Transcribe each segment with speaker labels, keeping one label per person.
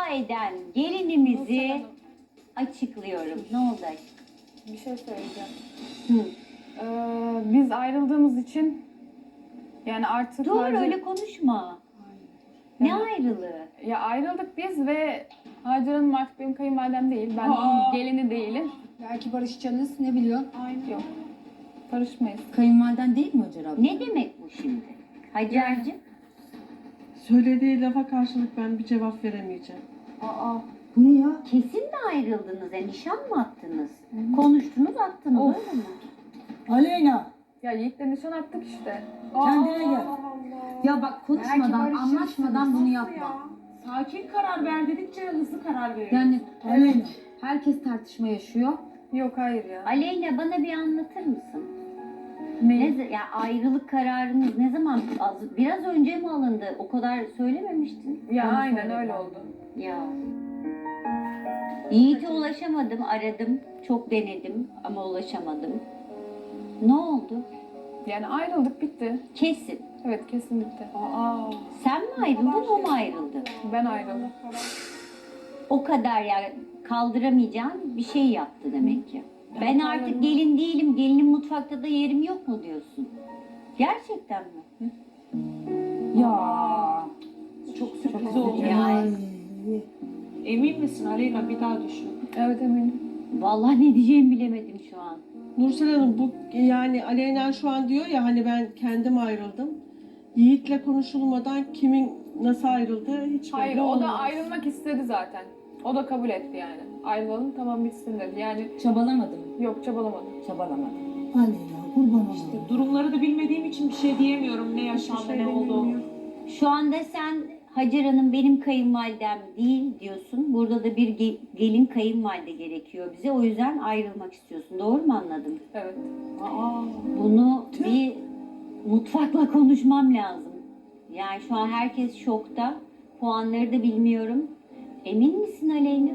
Speaker 1: eden gelinimizi açıklıyorum. Ne oldu?
Speaker 2: Bir şey söyleyeceğim.
Speaker 1: Hı.
Speaker 2: Biz ayrıldığımız için yani artık...
Speaker 1: Dur öyle konuşma. Ne ayrılığı?
Speaker 2: Ya ayrıldık biz ve Hacer Hanım artık benim kayınvalidem değil. Ben gelini değilim.
Speaker 3: Belki barışacaksınız, ne biliyorsun?
Speaker 2: Yok. Barışmayız.
Speaker 4: Kayınvaliden değil mi Hacer abla?
Speaker 1: Ne demek bu şimdi? Hacer'cim?
Speaker 5: Söylediği lafa karşılık ben bir cevap veremeyeceğim.
Speaker 4: Bu ne ya?
Speaker 1: Kesin mi ayrıldınız? Nişan mı attınız? Konuştunuz attınız
Speaker 2: Of.
Speaker 1: öyle mi?
Speaker 4: Aleyna
Speaker 2: Ya Yiğit'le nişan attık işte.
Speaker 4: kendine gel. Ya bak
Speaker 3: Belki
Speaker 4: konuşmadan,
Speaker 3: barışırsınız.
Speaker 4: anlaşmadan bunu yapma.
Speaker 6: Sakin karar ver dedikçe hızlı karar veriyor.
Speaker 4: Yani
Speaker 3: Aleyna.
Speaker 4: herkes tartışma yaşıyor.
Speaker 2: Yok hayır ya.
Speaker 1: Aleyna bana bir anlatır mısın?
Speaker 2: Ne?
Speaker 1: Ya ayrılık kararınız ne zaman? Biraz önce mi alındı? O kadar söylememiştin.
Speaker 2: Ya
Speaker 4: Onu
Speaker 2: aynen
Speaker 4: söylediler.
Speaker 2: öyle oldu.
Speaker 1: Ya. Yiğit'e ulaşamadım, aradım. Çok denedim ama ulaşamadım. Ne oldu?
Speaker 2: Yani ayrıldık bitti.
Speaker 1: Kesin.
Speaker 2: Evet kesin bitti.
Speaker 1: Sen mi ayrıldın, o mu ayrıldı?
Speaker 2: Ben ayrıldım.
Speaker 1: O kadar ya kaldıramayacağın bir şey yaptı demek ki. Ben artık gelin değilim, gelinin mutfakta da yerim yok mu diyorsun? Gerçekten mi?
Speaker 4: Ya.
Speaker 6: Çok sürpriz oldu.
Speaker 1: Yani.
Speaker 6: Emin misin Aleyna, bir daha düşün.
Speaker 2: Evet eminim.
Speaker 1: Vallahi ne diyeceğimi bilemedim şu an.
Speaker 5: Nursel Hanım bu yani Aleyna şu an diyor ya hani ben kendim ayrıldım. Yiğit'le konuşulmadan kimin nasıl ayrıldığı hiç
Speaker 2: Hayır
Speaker 5: belli
Speaker 2: o da
Speaker 5: olmaz.
Speaker 2: ayrılmak istedi zaten. O da kabul etti yani. Ayrılalım tamam bitsin dedi. Yani
Speaker 4: Çabalamadım.
Speaker 2: yok çabalamadım.
Speaker 4: Çabalamadım.
Speaker 3: Aleyna, kurban olayım.
Speaker 6: Durumları da bilmediğim için bir şey diyemiyorum. Ne yaşandı, ne oldu.
Speaker 1: Şu anda sen Hacer Hanım benim kayınvalidem değil diyorsun. Burada da bir gelin kayınvalide gerekiyor bize. O yüzden ayrılmak istiyorsun. Doğru mu anladım?
Speaker 2: Evet.
Speaker 1: Bunu bir mutfakla konuşmam lazım. Yani şu an herkes şokta. Puanları da bilmiyorum. Emin misin Aleyna?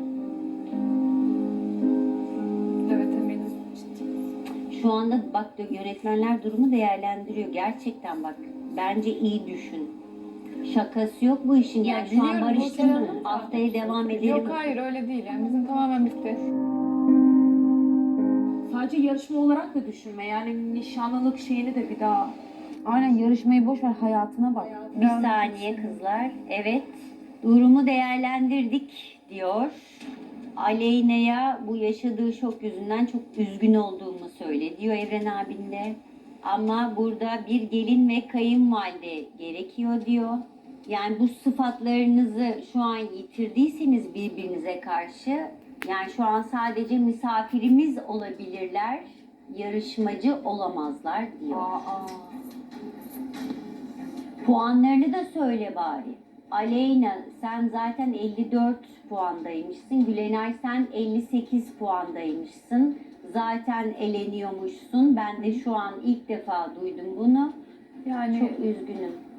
Speaker 2: Evet eminim.
Speaker 1: Şu anda bak yönetmenler durumu değerlendiriyor. Gerçekten bak. Bence iyi düşün. Şakası yok bu işin. Yani şu an
Speaker 2: biliyorum,
Speaker 1: barıştın.
Speaker 2: Nursel Hanım.
Speaker 1: Haftaya devam edelim.
Speaker 2: Yok hayır öyle değil yani bizim tamamen bitti.
Speaker 6: Sadece yarışma olarak da düşünme. Yani nişanlılık şeyini de bir daha...
Speaker 4: Aynen yarışmayı boş ver, hayatına bak.
Speaker 1: Bir saniye kızlar. Evet. Durumu değerlendirdik diyor. Aleyna'ya bu yaşadığı şok yüzünden çok üzgün olduğumu söyle diyor Evren abin de. Ama burada bir gelin ve kayınvalide gerekiyor diyor. Yani bu sıfatlarınızı şu an yitirdiyseniz birbirinize karşı, yani şu an sadece misafirimiz olabilirler, yarışmacı olamazlar diyor. Puanlarını da söyle bari. Aleyna sen zaten 54 puandaymışsın. Gülenay sen 58 puandaymışsın. Zaten eleniyormuşsun. Ben de şu an ilk defa duydum bunu.
Speaker 2: Yani
Speaker 1: Çok üzgünüm.